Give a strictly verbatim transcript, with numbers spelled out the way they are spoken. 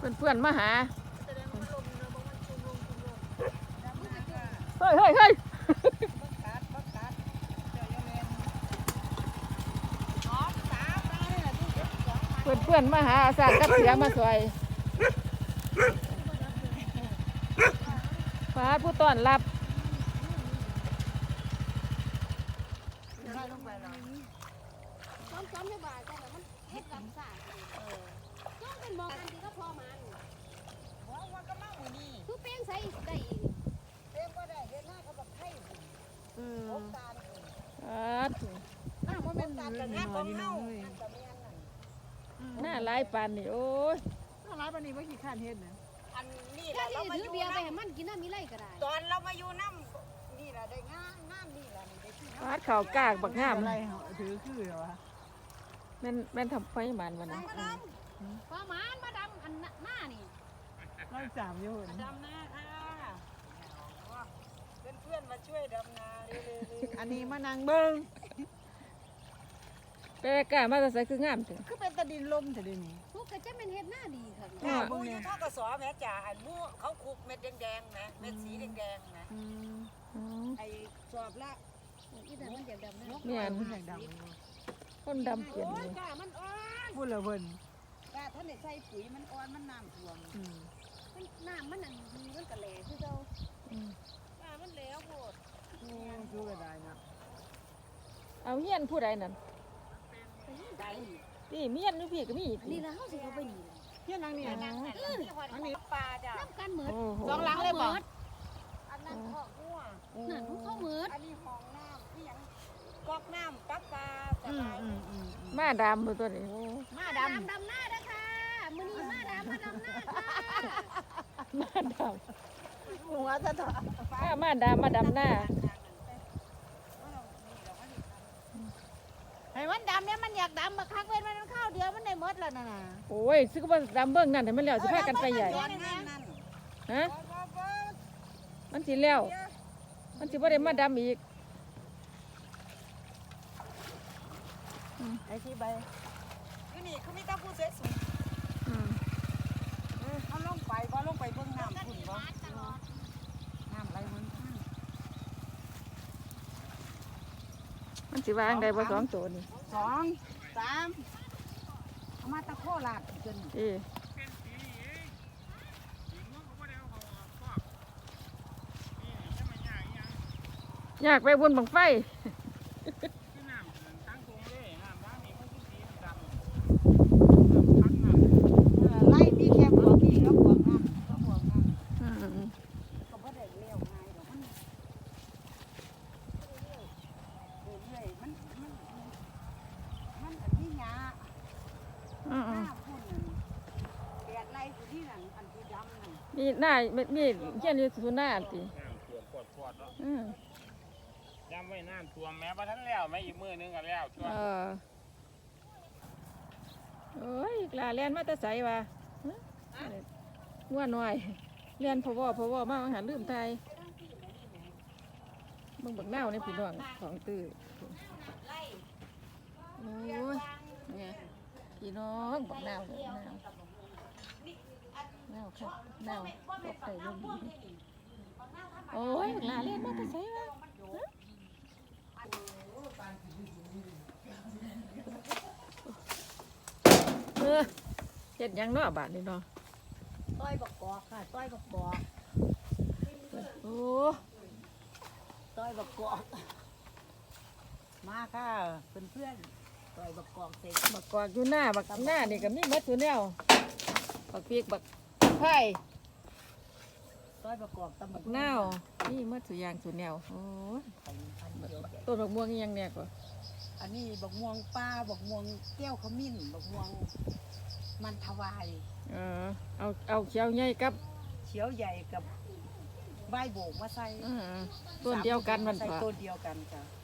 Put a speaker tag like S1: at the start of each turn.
S1: เพื่อนๆมาหาเฮ้ยเฮ้ยเฮ้ยเพื่อนเพื่อนมาหาอาสากับเสียมาสวยฟ้าผู้ต้อนรับ
S2: ซ้อมซ้อมให้บ่ายก็แบบมันเฮ็ดกับสาก็เป็นมองกันดีก็พอมันว่าว่าก็มาหมูนี่คือเป้งใส่ได้อีกเป้งก็ได้เฮ็ดหน้าเขาแบบไทยอืมโคการ
S1: อาถู
S2: หน้ามันเป็นการแต่งงานของเฮา
S1: หน้าลายปานนี่โอ้ย
S3: หน้าลายปานนี่ว่าขี้ข้านเฮ็ดนะ
S2: อันนี้แหละเรามาอยู่เบียร์ไปให้มันกินน้ำมีไรก็ได้ตอนเรามาอยู่น้ำนี่แหละได้งามงามนี่แหละได้ที่
S1: ฟาดเข่ากากบักงาม
S3: อะไรถือคือเหรอวะ
S1: แม่นแม่นทำไฟมันวันนั้น
S2: พอมันมาดำอันหน้านี่
S3: เราจามอยู่
S2: ดำหน้าค่ะเพื่อนเพื่อนมาช่วยดำนาเร็ว
S3: ๆอันนี้มานั่งเบิ้ง
S1: แต่กล้ามาแต่ใส่คืองามถึง
S3: คือเป็นตะดินลมแต่เดี๋ยวนี้
S2: พวกกระเจ้าเป็นเฮ็ดหน้าดีค่ะ
S4: มูอยู่ท่อกระสอแม่จ่าอันมูเขาคุกเม็ดแดงๆนะเม็ดสีแดงๆนะ
S2: ไอ้สอบละอีแต่มันเดี๋ยวดำนะ
S1: เมียน
S3: ด
S1: ำคนดำเปลี่ยนเลย
S2: มันอ่อน
S3: พูดเลยเพิ่น
S2: กาท่านได้ใส่ปุ๋ยมันอ่อนมันน้ำท่วมมันน้ำมันอันดีมันกระแหล่คือเจ้าน้ำมันแหลวโพด
S3: ดูกระไดนะ
S1: เอาเฮียนผู้ใดนั่นนี่เมียนนี่พี่ก็มี
S2: นี่นะเขาสิเขาไปนี่
S3: เฮียนางนี่
S4: อันนี้ปลาจ้ะ
S2: น้ำกันเหมือน
S3: สองหลังเลยบ่
S4: อันนั้นข้อหัว
S2: นั่นพวกเขาเหมือน
S4: อันนี้ห้องน้ำที่ยังก๊อกน้ำปั๊บปลาสบาย
S1: มาดำมือตัวนี้
S2: มาดำดำหน้าด้ค่ะมือนี้มาดำมาดำหน้าค่ะ
S1: มาด
S3: ำหัวจะถอด
S1: ถ้ามาดำมาดำหน้า
S2: ไอ้มันดำเนี่ยมันอยากดำมาคักเว้นมันข้าวเดียวมันได้หมดแล้วน่ะ
S1: โอ้ยซื้อมาดำเบิ้งนั่นเห็นมันแล้วสิพากันไปใหญ่ฮะมันสิแล้วมันสิบ่ได้มาดำอีก
S3: ไอ้ที่ใบ
S4: อยู่นี่เขาไม่ต้องพูดเสียสูงเขาลงไปว่าลงไปเบื้องน้ำขุ่นว่าน้ำไหลมัน
S1: มันสิวางได้บ่สองตัวนี่
S4: สองสามเอามาตะโคลาดจน
S1: เออยากไปบนบังไฟ
S4: ไล่พี่แคบหัวพี่ก็หัวน้ำก็หัวน้ำเขาไม่ได้เลี้ยวง่ายหรอกมันเรื่อยๆมันมันมันอันนี้หยาหน้าพุ่นแดดไล่อยู่ที่นั่นอันที่ดำนั่น
S1: มีหน้ามีเช่นนี้สุน่าติอืม
S5: ยำไว้น้ำท่วมแม้ว่าท่านแล้วแม่อีกมือนึงก็แล้วช่วย
S1: เออโอ้ยลาเลียนมาแต่ใสว่ะง่วนหน่อยเลียนพะวอพะวอมาอาหารลืมไทยมึงบักเน่าในพี่น้องของตื้อโอ้ยเนี่ยพี่น้องบักเน่าเนี่ยเน่าเน่าค่ะเน่าตกใส่ลงดีโอ้ยลาเลียนมาแต่ใสว่ะเออเฮ็ดยังเนาะบาดนี้เนาะ
S2: ต้อยบักกอกค่ะต้อยบักกอก
S1: โอ้
S2: ต้อยบักกอกมาค่ะเพื่อนเพื่อนต้อยบักกอกเสร็จ
S1: บักกอกอยู่หน้าบักหน้านี่ก็มีมัดตัวแนวบักเปียกบักไผ่
S2: ต้อยบักกอกตำบัก
S1: เน่านี่มัดสุยางสุแนวโอ้ต้นบักม่วงยังแน่กว่า
S4: อันนี้บักม่วงป้าบักม่วงแก้วขมิ้นบักม่วงมันถวาย
S1: เออเอาเอาเขียวใหญ่กับ
S4: เขียวใหญ่กับใบโบกมาใส่
S1: ต้นเดียวกันมัน
S4: ใส่ต้นเดียวกันจ้ะ